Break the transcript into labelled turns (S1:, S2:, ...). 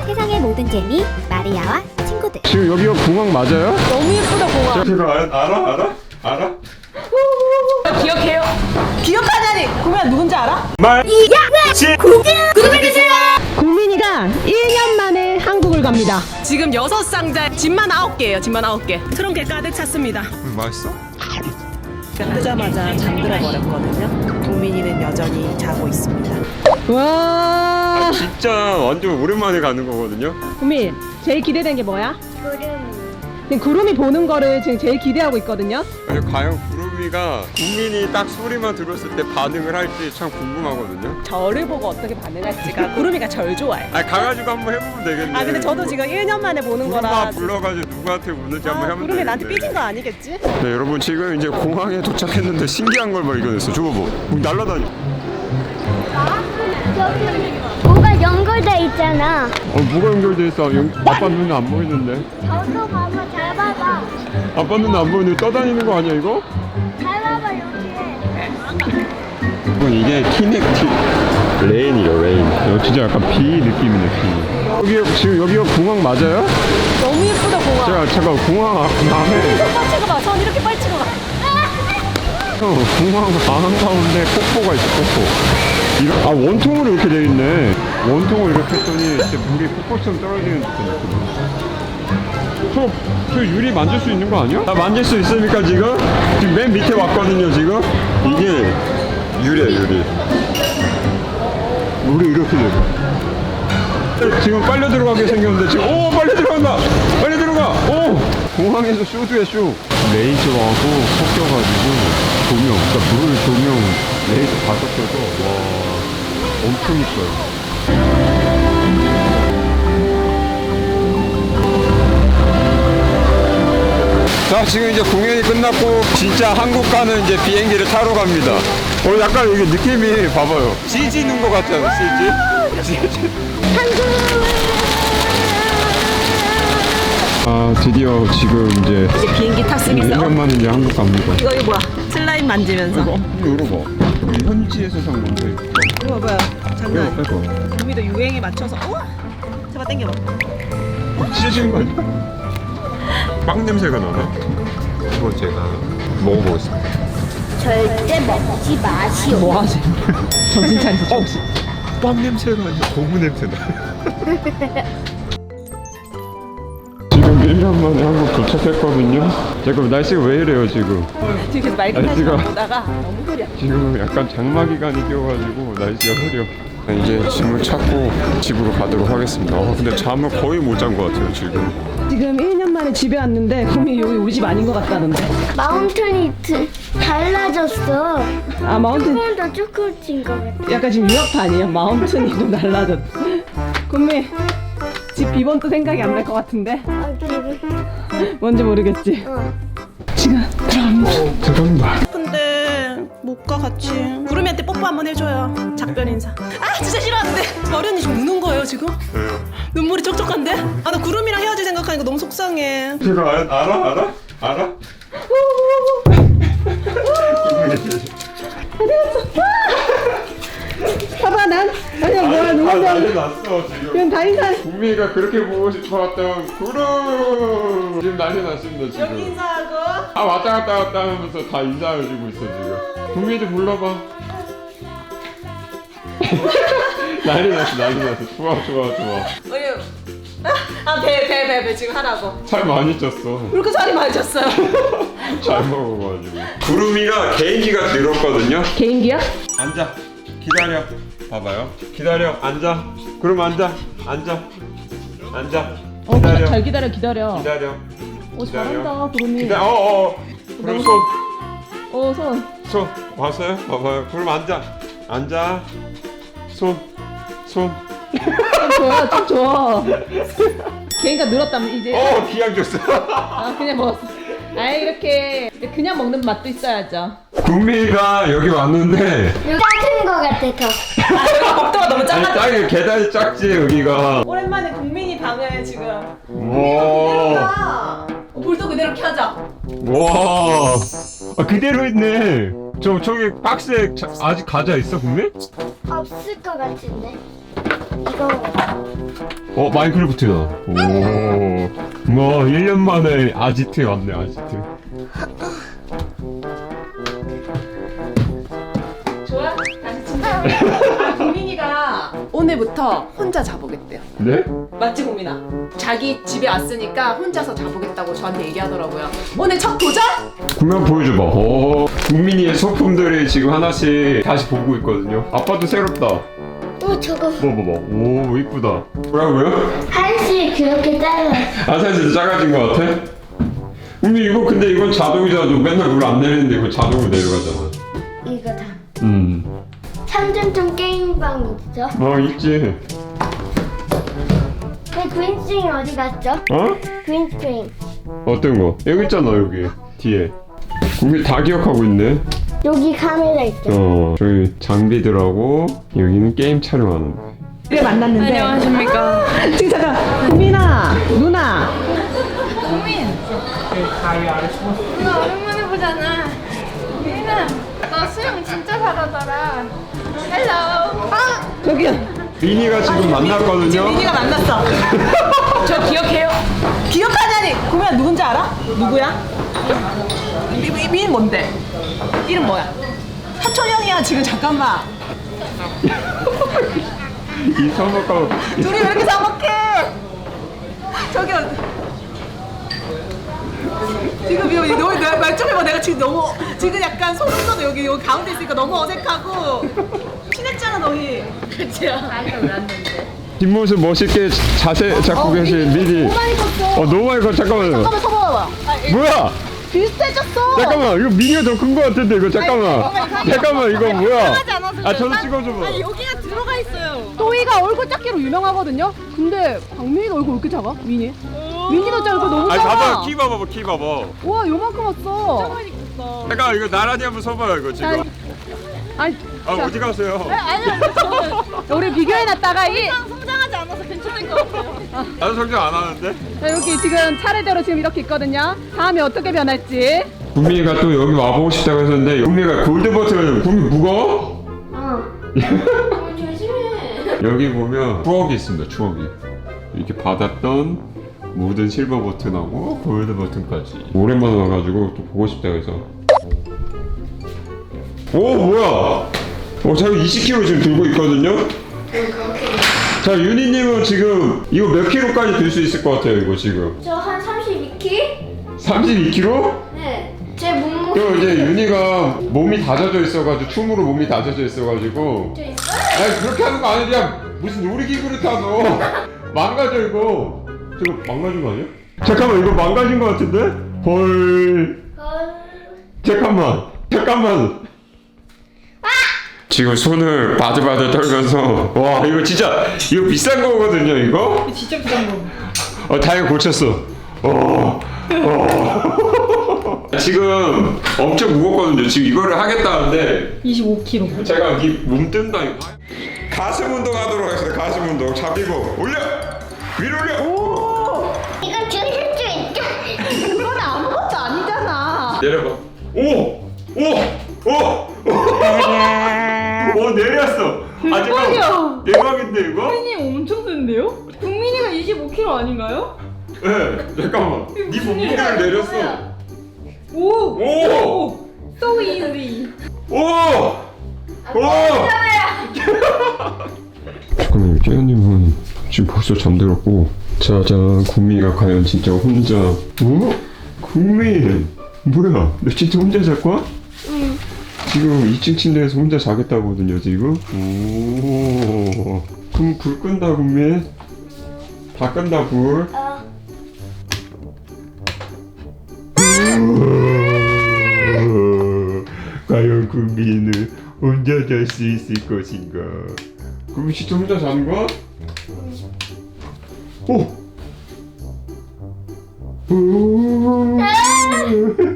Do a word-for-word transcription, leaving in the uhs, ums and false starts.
S1: 세상의 모든 재미 마리아와 친구들.
S2: 지금 여기가 공항 맞아요?
S3: 너무 예쁘다 공항.
S2: 제가 알아? 알아? 알아? 알아?
S3: 기억해요? 기억하냐니? 구민아 누군지 알아?
S2: 말
S1: 이야! 구독해주세요!
S3: 구민이가 일 년 만에 한국을 갑니다. 지금 여섯 상자에 짐만 아홉 개예요. 짐만 아홉 개. 트렁크에 가득 찼습니다.
S2: 맛있어?
S3: 뜨자마자 잠들어 버렸거든요. 구민이는 여전히 자고 있습니다. 와.
S2: 진짜 완전 오랜만에 가는 거거든요.
S3: 구민, 제일 기대된 게 뭐야?
S1: 구름.
S3: 지금 구름이 보는 거를 지금 제일 기대하고 있거든요.
S2: 과연 구름이가 국민이 딱 소리만 들었을 때 반응을 할지 참 궁금하거든요.
S3: 저를 보고 어떻게 반응할지가 구름이가 절 좋아해.
S2: 아 가가지고 한번 해보면 되겠네.
S3: 아 근데 저도 지금 일 년 만에 보는
S2: 구름아
S3: 거라.
S2: 불러가지고 누구한테 우는지
S3: 아,
S2: 한번 해보면
S3: 구름이
S2: 되겠네.
S3: 나한테 삐진 거 아니겠지?
S2: 네 여러분 지금 이제 공항에 도착했는데 신기한 걸 발견했어. 저거 뭐 날라다니.
S1: 저기 뭐가 연결돼 있잖아.
S2: 어 뭐가 연결돼 있어? 연... 아빠 눈에 안 보이는데.
S1: 저도 봐봐, 잘 봐봐.
S2: 아빠 눈에 안 보이는데 떠다니는 거 아니야 이거?
S1: 잘 봐봐, 여기에.
S2: 이건 이게 키넥티 레인이요 레인. 이거 진짜 약간 비 느낌이네 비. 여기 지금 여기가 공항 맞아요?
S3: 너무 예쁘다 공항.
S2: 제가 잠깐 공항 앞에
S3: 빨리 찍어봐. 전 이렇게 빨리 찍어봐.
S2: 어, 공항 안 가운데 폭포가 있어 폭포. 이거, 아 원통으로 이렇게 돼 있네. 원통을 이렇게 했더니 진짜 물이 폭포처럼 떨어지는 듯한 느낌. 저, 저 유리 만질 수 있는 거 아니야? 나 만질 수 있습니까 지금? 지금 맨 밑에 왔거든요 지금. 이게 유리야 유리. 물이 이렇게 돼. 지금 빨려 들어가게 생겼는데 지금 오 빨리 들어간다. 빨리 들어가. 오 공항에서 쇼도야 쇼. 레이저하고 섞여가지고 조명, 그러니까 물 조명 레이저 다 섞여서 와 엄청 이뻐요. 자 지금 이제 공연이 끝났고 진짜 한국 가는 이제 비행기를 타러 갑니다. 어 약간 이게 느낌이 봐봐요. 씨지 있는 것 같지 않아? 씨지? 씨지. 아 드디어 지금 이제
S3: 이제 비행기 탔습니다.
S2: 일 년 만에 이제 한국 갑니다.
S3: 이거 이거 뭐야? 슬라임 만지면서.
S2: 이거 열어봐. 우리 현지에서 산 건데.
S3: 이거 봐봐요. 장난 아니야.
S2: 빼고.
S3: 구미도 유행에 맞춰서. 우와. 잡아 당겨봐.
S2: 찢어지는 거 아니야? 빵 냄새가 나나? 이거 제가 먹어보겠습니다.
S1: 절대 먹지 마시오.
S3: 뭐 하지? 정신 차리세요. 정신.
S2: 빵 냄새가 아니라 고무 냄새 나. 지금 일 년 만에 한국 도착했거든요. 잠깐 날씨가 왜 이래요 지금?
S3: 지금 계속 맑은 날씨
S2: 날씨가-
S3: 보다가 너무 흐려.
S2: 지금 약간 장마 기간이 끼어가지고 날씨가 흐려. 이제 짐을 찾고 집으로 가도록 하겠습니다. 어, 근데 잠을 거의 못 잔 것 같아요 지금.
S3: 지금 일 년 만에 집에 왔는데 구미 여기 우리 집 아닌 것 같다는데.
S1: 마운틴이 드- 달라졌어.
S3: 아 마운틴
S1: 조금 더 쭈꾸진 것 같아.
S3: 약간 지금 유학판이에요. 마운틴이 좀 달라졌. 구미 집 비번도 생각이 안 날 것 같은데.
S1: 아, 그리고
S3: 뭔지 모르겠지.
S1: 어.
S3: 지금 들어갑니다.
S2: 들어간다.
S3: 근데 못 가 같이. 구름이한테 뽀뽀 한번 해줘요. 작별 인사. 아 진짜 싫어하는데 어련이 좀 우는 거예요 지금.
S2: 왜요?
S3: 눈물이 촉촉한데? 아 나 구름이랑 헤어질 생각하니까 너무 속상해.
S2: 제가 알, 알아? 알아? 알아?
S3: 봐봐 난 아니야 뭐야
S2: 다
S3: 누군지
S2: 난리 났어 지금.
S3: 그냥 다 인사.
S2: 국민이가 그렇게 보고 싶어왔던 구름 지금 난리 났습니다
S3: 여기
S2: 지금.
S3: 인사하고.
S2: 다 왔다 갔다 갔다 하면서 다 인사해주고 있어 지금. 국민이도 불러봐. 난리 났어 난리 났어. 좋아 좋아 좋아.
S3: 어유. 아배 배 배 배 지금 하라고.
S2: 살 많이 쪘어.
S3: 왜 이렇게 살이 많이 쪘어요?
S2: 잘 먹어가지고. 구름이가 개인기가 들었거든요.
S3: 개인기야?
S2: 앉아. 기다려. 봐봐요. 기다려. 앉아. 그럼 앉아. 앉아. 앉아.
S3: 어
S2: 기다려.
S3: 잘 기다려 기다려.
S2: 기다려.
S3: 어 잘한다 구름이.
S2: 기다려. 어어. 어. 그럼 손.
S3: 어 손.
S2: 손. 봤어요? 봐봐요. 그럼 앉아. 앉아. 손. 손.
S3: 좀 좋아 좀 좋아. 개인가 늘었다면 이제.
S2: 어 기양 줬어.
S3: 아 그냥 먹었어. 아 이렇게 그냥 먹는 맛도 있어야죠.
S2: 국민이가 여기 왔는데
S1: 작은 것 같아, 더.
S3: 아 여기 복도가 너무
S2: 아니
S3: 작아.
S2: 짝이 계단이 작지 여기가.
S3: 오랜만에 국민이 방을 지금.
S2: 와.
S3: 어, 불도 그대로 켜자.
S2: 와. 아 그대로 있네. 저 저기 박스에 자, 아직 과자 있어 국민?
S1: 없을 것 같은데. 이거.
S2: 어 마인크래프트다. 오. 뭐 일 년 만에 아지트에 왔네 아지트.
S3: 좋아? 다시 친다. 국민이가 오늘부터 혼자 자보겠대요.
S2: 네?
S3: 맞지 국민아? 자기 집에 왔으니까 혼자서 자보겠다고 저한테 얘기하더라고요. 오늘 첫 도전?
S2: 구면 보여줘봐. 오. 국민이의 소품들이 지금 하나씩 다시 보고 있거든요. 아빠도 새롭다.
S1: 어 저거
S2: 뭐 뭐 뭐. 오 이쁘다. 뭐라고요?
S1: 한시 그렇게 잘라.
S2: 아산 진짜 작아진 것 같아? 국민 이거 근데 이건 자동이잖아. 너 맨날 물 안 내리는데 이거 자동으로 내려가잖아.
S1: 이거 다.
S2: 음.
S1: 삼점점 게임방 있죠?
S2: 어 있지.
S1: 그 그린스크린 어디 갔죠?
S2: 어?
S1: 그린스크린
S2: 어떤 거? 여기 있잖아 여기 뒤에. 국민 다 기억하고 있네.
S1: 여기 카메라 있죠?
S2: 어 저희 장비들하고 여기는 게임 촬영하는 거.
S3: 그래 만났는데. 안녕하십니까. 지금 잠깐. 국민아, 누나.
S4: 누나 오랜만에 보잖아. 민아, 너 수영 진짜 잘하더라. 헬로. 아,
S3: 저기요.
S2: 민이가 지금 만났거든요.
S3: 지금 민이가 만났어. 저 기억해요. 기억하냐니. 국민아 누군지 알아? 누구야? 미, 미, 민 뭔데? 이름 뭐야? 사촌 형이야 지금 잠깐만.
S2: 이 서먹하고
S3: 둘이 왜 이렇게 사먹해? 저기요. 지금 여기 너무 말좀 해봐. 내가 지금 너무 지금 약간 소름 돋아. 여기 여기 가운데 있으니까 너무 어색하고 친했잖아 너희. 그치요? 아니 왜 안 되는데?
S2: 뒷모습 멋있게 자세 잡고 계신 민이.
S3: 너무 많이 컸어.
S2: 어 너무 많이 커. 잠깐만요.
S3: 잠깐만 서봐봐.
S2: 뭐야?
S3: 비슷해졌어.
S2: 잠깐만 이거 민이가 더 큰 거 같은데 이거 잠깐만. 잠깐만 이거 뭐야? 아 저도 찍어줘봐.
S4: 아니 여기가 들어가 있어요.
S3: 또이가 얼굴 작기로 유명하거든요. 근데 박민이가 얼굴 왜 이렇게 작아? 민이? 민이도 얼굴 너무
S2: 아니
S3: 작아.
S2: 봐봐 키 봐봐 키 봐봐.
S3: 와 요만큼 왔어.
S2: 잠깐 이거 나란히 한번 서봐요 이거
S3: 자,
S2: 지금.
S3: 아니
S2: 아 어디 가세요?
S4: 아니요, 저는
S3: 우리 비교해놨다가 이
S4: 성장하지 않아서 괜찮을 것 같아요.
S2: 나도 성장 안 하는데.
S3: 자, 여기 지금 차례대로 지금 이렇게 있거든요. 다음에 어떻게 변할지.
S2: 국민이가 또 여기 와보고 싶다고 했었는데 국민이가 골드 버튼을 국민 무거워?
S1: 어.
S4: 조심해.
S2: 여기 보면 추억이 있습니다 추억이. 이렇게 받았던 모든 실버 버튼하고 골드 버튼까지 오랜만에 와가지고 또 보고 싶다고 해서. 오 뭐야? 어 자기 이십 킬로그램 지금 들고 있거든요? 자 윤희님은 지금 이거 몇 킬로까지 들 수 있을 것 같아요 이거 지금?
S1: 저 한 삼십이 킬로그램?
S2: 삼십이 킬로그램?
S1: 네. 제 몸무게.
S2: 또 이제 윤희가 몸이 다져져 있어가지고 춤으로 몸이 다져져 있어가지고.
S1: 저 있어요?
S2: 아니 그렇게 하는 거 아니야. 무슨 놀이기구를 타서 망가져 이거. 저거 망가진 거 아니야? 잠깐만 이거 망가진 거 같은데? 헐.
S1: 헐.
S2: 잠깐만 잠깐만. 지금 손을 바들바들 떨면서 와 이거 진짜 이거 비싼 거거든요 이거?
S3: 진짜 비싼 거.
S2: 어 다행히 고쳤어. 어. 어. 지금 엄청 무겁거든요. 지금 이거를 하겠다는데
S3: 이십오 킬로그램.
S2: 제가 이 몸뜬다 이거. 가슴 운동하도록 하겠습니다. 가슴 운동 잡히고 올려 위로 올려.
S3: 오.
S1: 이건 줄일 수 있죠?
S3: 그건 아무것도 아니잖아.
S2: 내려봐. 오! 오! 오! 오! 오 내렸어. 아 잠깐. 대박인데 이거?
S4: 국민이 엄청 센데요? 국민이가 이십오 킬로그램 아닌가요?
S2: 네. 잠깐만. 네 몸무게를 내렸어.
S4: 오.
S2: 오!
S4: So easy.
S2: 오! 오! 잠깐만요. 깨연님은 지금 벌써 잠들었고 짜잔 국민이가 과연 진짜 혼자 어? 국민 뭐야 너 진짜 혼자 잘 거야?
S1: 응.
S2: 지금 이 층 침대에서 혼자 자겠다거든요 지금. 오 그럼 불 끈다 국민. 다 끈다 불.
S1: 어.
S2: 과연 국민은 혼자 잘 수 있을 것인가? 국민 진짜 혼자 자는 거야? 오! 오!